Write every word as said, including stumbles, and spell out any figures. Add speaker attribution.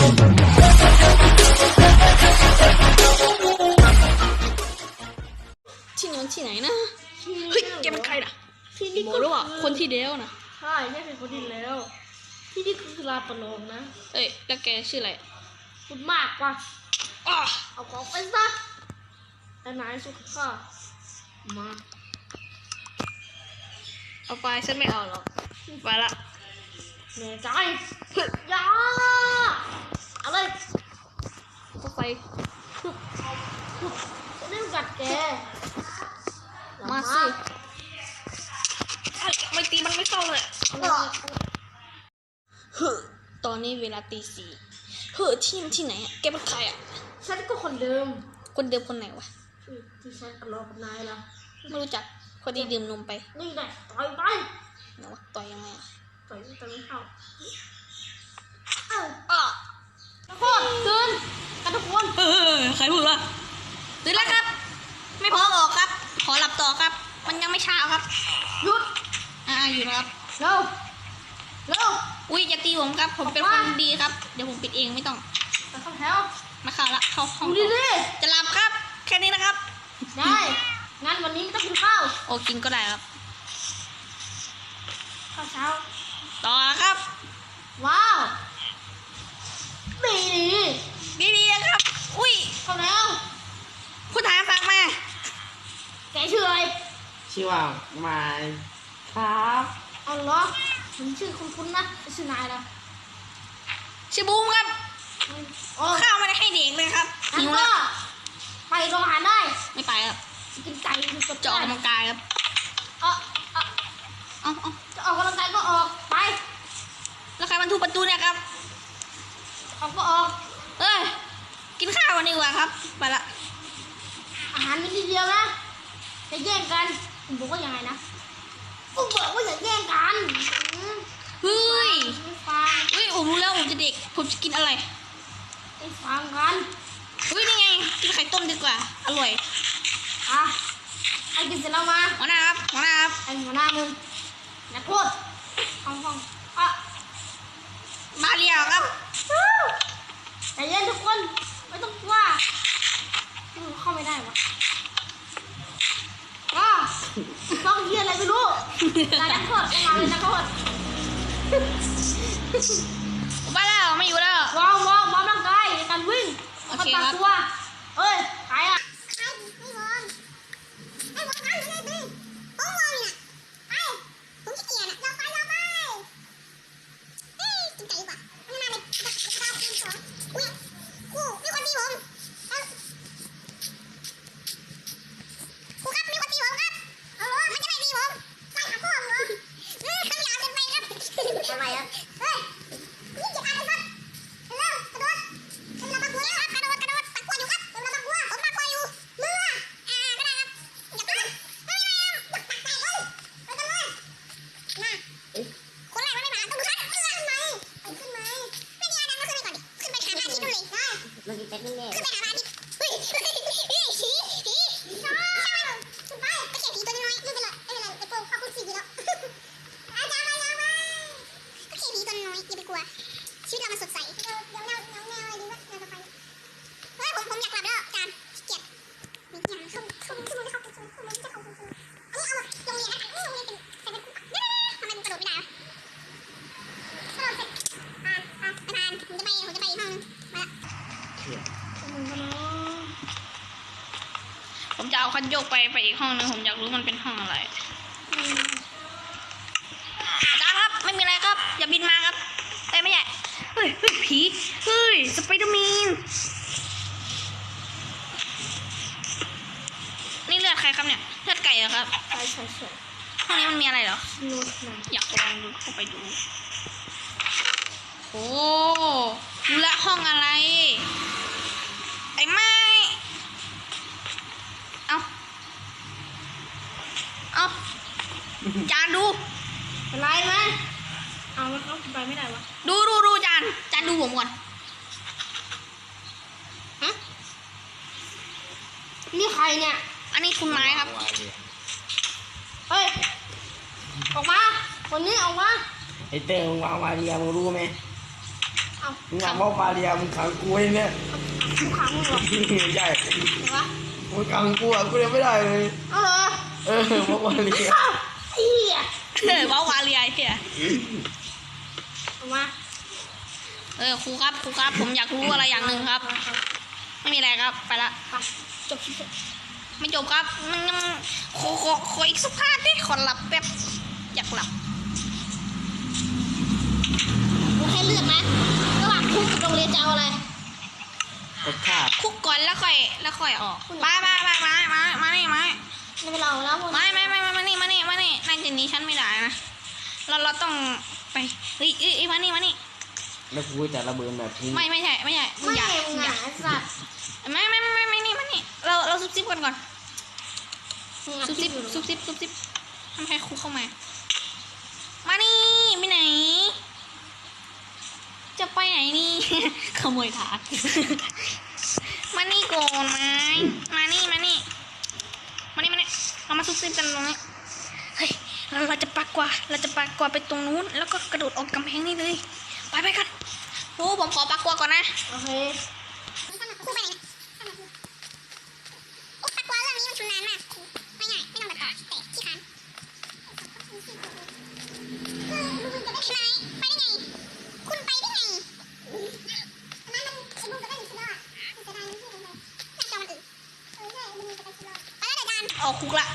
Speaker 1: ที่นอนที่ไหนนะเฮ้ยแกเป็นใครล่ะที่นี่ก็รู้ว่าคนที่เดียวนะ
Speaker 2: ใช่ใช่เป็นคนที่แล้วที่นี่คือลาปนองนะ
Speaker 1: เอ้ยแล้วแกชื่ออะไร
Speaker 2: พูดมากกว่าเอาของไปซะแต่นายสุขค่ะมา
Speaker 1: เอาไปฉันไม่เอาหรอกไปละ
Speaker 2: แน่ใจยาเอาเลย
Speaker 1: เข้าไป
Speaker 2: จะได้กัดแก
Speaker 1: มาสิไม่ตีมันไม่เข้าเลยเฮ้อตอนนี้เวลาตีสี่เฮ้อที่นี่ที่ไหนอ่ะแกเป็นใครอ่ะ
Speaker 2: ฉันก็คนเดิม
Speaker 1: คนเดิมคนไหนวะ
Speaker 2: ที่ฉันกระโดดนายล่ะ
Speaker 1: ไม่รู้จักพอดีดื่มนมไป
Speaker 2: นี่แหละต่อยไป
Speaker 1: ไหนวะต่อยยังไง
Speaker 2: ต่อยต่อยไม่เข้าเออ
Speaker 1: อ่ะ
Speaker 2: โคตรตื่นกันทุกคน
Speaker 1: เออใครพูดวะตื่นแล้วครับไม่พอบอกครับขอหลับต่อครับมันยังไม่เช้าครับ
Speaker 2: หยุด
Speaker 1: อ่าอยู่นะครับ
Speaker 2: เร็วเร็ว
Speaker 1: อุ้ยอย่าตีผมครับผมเป็นคนดีครับเดี๋ยวผมปิดเองไม่ต้อง
Speaker 2: ไปเข้าแถว
Speaker 1: มาเข้าละเข้าห้อง
Speaker 2: ดีดี
Speaker 1: จะหลับครับแค่นี้นะครับ
Speaker 2: ได้งั้นวันนี้ไม่ต้องกินข้าว
Speaker 1: โอ้กินก็ได้ครับ
Speaker 2: ข้าวเช้า
Speaker 1: ต่อครับ
Speaker 2: ว้าวดี
Speaker 1: ดีดีดีครับอุ้ย
Speaker 2: เข้าแล้ว
Speaker 1: ผู้ถ่ายฝากมา
Speaker 2: แกชื่ออะไร
Speaker 3: ชื่อว่าไม้ครับ
Speaker 2: อ๋อเหรอผมชื่อคุณคุณนะชื่อนายนะ
Speaker 1: ชื่อบูมครับข้าวไม่ได้ให้เด็กเลยครับ
Speaker 2: หิวแล้วไปโรงอาหารได้
Speaker 1: ไม่ไปครับ
Speaker 2: กินไก่
Speaker 1: จะออกกำลังกายครับ
Speaker 2: เออเออ
Speaker 1: เอาเอา
Speaker 2: จะออกกำลังกายก็ออกไป
Speaker 1: แล้วใครมันทุบประตูเนี่ยครับ
Speaker 2: ออกก็ออก
Speaker 1: เอ้ยกินข้าววันนี้ดีกว่าครับไปละ
Speaker 2: อาหารมีทีเดียวนะจะแย่งกันผมบอกว่ายังไงนะผมบอกว่าอย่าแย่งกัน
Speaker 1: เฮ้ย
Speaker 2: ไม่ฟัง
Speaker 1: เฮ้ยผมรู้แล้วผมจะเด็กผมจะกินอะไร
Speaker 2: ไม่ฟังกัน
Speaker 1: เฮ้ยนี่ไงกินไข่ต้มดีกว่าอร่อย
Speaker 2: อ่ะไอ้กินเสร็จแล้วมา
Speaker 1: หัวหน้าครับหัวหน้าครับ
Speaker 2: ไอ้หัวหน้ามึงนักโทษฟังฟังอ่ะ
Speaker 1: มาเรียวครับ
Speaker 2: ใจเย็นทุกคนไม่ต้องกลัวเข้าไม่ได้วะก็ต้องเฮียอะไรไม่รู้นายนักโทษมาเลยนักโทษ
Speaker 1: มาแล้วไม่อยู่แล้ว
Speaker 2: วางวางวางร่างกายในการวิ่ง
Speaker 1: โอเคครับ
Speaker 2: ตัวเอ้ยใครอ่ะ
Speaker 3: มันกินเป็ดนี่แน่
Speaker 2: ขึ้นไปหาบ้านดิเฮ้ยเฮ้ยเฮ้ยผีผีชอบขึ้นไปก็เขียนผีตัวน้อยไม่เป็นไรไม่เป็นไรไอ้โป้ข้าคุณสีดีแล้วอาจารย์มาแล้วมาก็เขียนผีตัวน้อยอย่าไปกลัวชีวิตเรามันสดใสเดี๋ยวเดี๋ยวแนวแนวแนวอะไรดีวะแนวต่อไปเฮ้ยผมผมอยากกลับแล้วอาจารย์เกลียดมีอย่างเข้าเข้าเข้าไม่เข้าเข้าไม่เข้าเข้าอันนี้เอาโรงเรียนนะโรงเรียนเป็นเป็นทำไมมันกระโดดไม่ได้กระโดดเสร็จอ่าอ่าไปผ่านผมจะไปผมจะไปอีกห้องนึงมา
Speaker 1: ผมจะเอาคันโยกไปไปอีกห้องนึงผมอยากรู้มันเป็นห้องอะไรอาจารย์ครับไม่มีอะไรครับอย่าบินมาครับเอ้ยไม่ใช่เฮ้ยผีเฮ้ยสไปเดอร์แมนนี่เลือดใครครับเนี่ยเลือดไก่เหรอครับ
Speaker 2: ใช่ใช่ใช่
Speaker 1: ห้องนี้มันมีอะไรเหรอ
Speaker 2: นู่น
Speaker 1: อยากลองดูเข้าไปดูโอ้ดูละห้องอะไรไอ้ไม้เอาเอาจานดู
Speaker 2: เป็นไรไหมเอาแล้วเขาไปไม่ได้วะ
Speaker 1: ดูดูดูจานจานดูผมก่อนฮะ
Speaker 2: นี่ใครเนี่ย
Speaker 1: อันนี้คุณไม้ครับ
Speaker 2: เฮ้ยออกมาคนนี้ออกมา
Speaker 3: ไอเต้มึงวางวาเดียมึงรู้ไหม
Speaker 2: เอเอา
Speaker 3: มึงอยากบอกมาเรียมึงขังกูไว้เนี่ย
Speaker 2: ทุกครั้งมึงเหรอ
Speaker 3: ใหญ่
Speaker 2: เห็นปะ
Speaker 3: มึงขังกูอ่ะกูยังไม่ได้เลย
Speaker 2: เอาเหรอ
Speaker 3: เออบอกมาเรีย
Speaker 2: ไอ้เหี้ย
Speaker 1: เออว้าวาเรียเฮีย
Speaker 2: เอามา
Speaker 1: เออครูครับครูครับผมอยากรู้อะไรอย่างหนึ่งครับ ไม่มีอะไรครับไปละ
Speaker 2: ไปจบคลิปเถอะ
Speaker 1: ไม่จบครับมันยังขอขอขออีกสักพาร์ทดิขอหลับแบบอยากหลับ
Speaker 2: กูให้เลือกนะระหว่างคุกกับโรงเรียนจะเอาอะไร
Speaker 3: กดขาด
Speaker 1: คุกก่อนแล้วค่อยแล้วค่อยออกมามามามามามานี่มา
Speaker 2: ไม่เป็นเราแล้วพวก
Speaker 1: ไม่ไม่ไม่ไม่มานี่มานี่มานี่นั่งจะหนีฉันไม่ได้นะเราเราต้องไปเฮ้ยเอ้ยเอ้ยมานี่มานี่
Speaker 3: แล้วกูจะระเบิดแบบนี้
Speaker 1: ไม่ไม่ใช่ไม่ใช่มึง
Speaker 2: ไม่
Speaker 1: อย่า
Speaker 2: มึง
Speaker 1: อย่า
Speaker 2: อ่ะไอ้สัตว์
Speaker 1: ไม่ไม่ไม่ไม่ไม่นี่มานี่เราเราซุบซิบกันก่อน
Speaker 2: มึงอ่ะ
Speaker 1: ซุบ
Speaker 2: คลิ
Speaker 1: ซิ
Speaker 2: ป
Speaker 1: บ
Speaker 2: อยู่เหรอ
Speaker 1: ซุบซิบซุบซิบทำให้ครูเข้ามา มานี่ไปไหน จะไปไหนนี่ ขโมยถาด มานี่ก่อนไหมมานี่มานี่มานี่มานี่เรามาซุบซิบกันตรงนี้เฮ้ยเราเราจะปักกว่าเราจะปักกว่าไปตรงนู้นแล้วก็กระโดดออกกำแพงนี่เลยไปไปกันโอ้ผมขอปักกว่าก่อนนะ
Speaker 2: โอเค ครูไปไหนโอ้ปักว่าเรื่องนี้มันชุนนานมากครูไม่ง่ายไม่ต้องตัดต่อแต่ขี้คันคือลุงจะได้ไหมไปได้ไง คุณไปได้ไงอันนั้นมันไอ้ลุงจะได้หนึ่งชิ้นรอดมันจะได้ไม่ใช่เลยหน้าจอมันอึเออใช่ลุงจะได้ชิ้นรอดไปแล้วเดี๋ยวจาน
Speaker 1: ออกคุกละ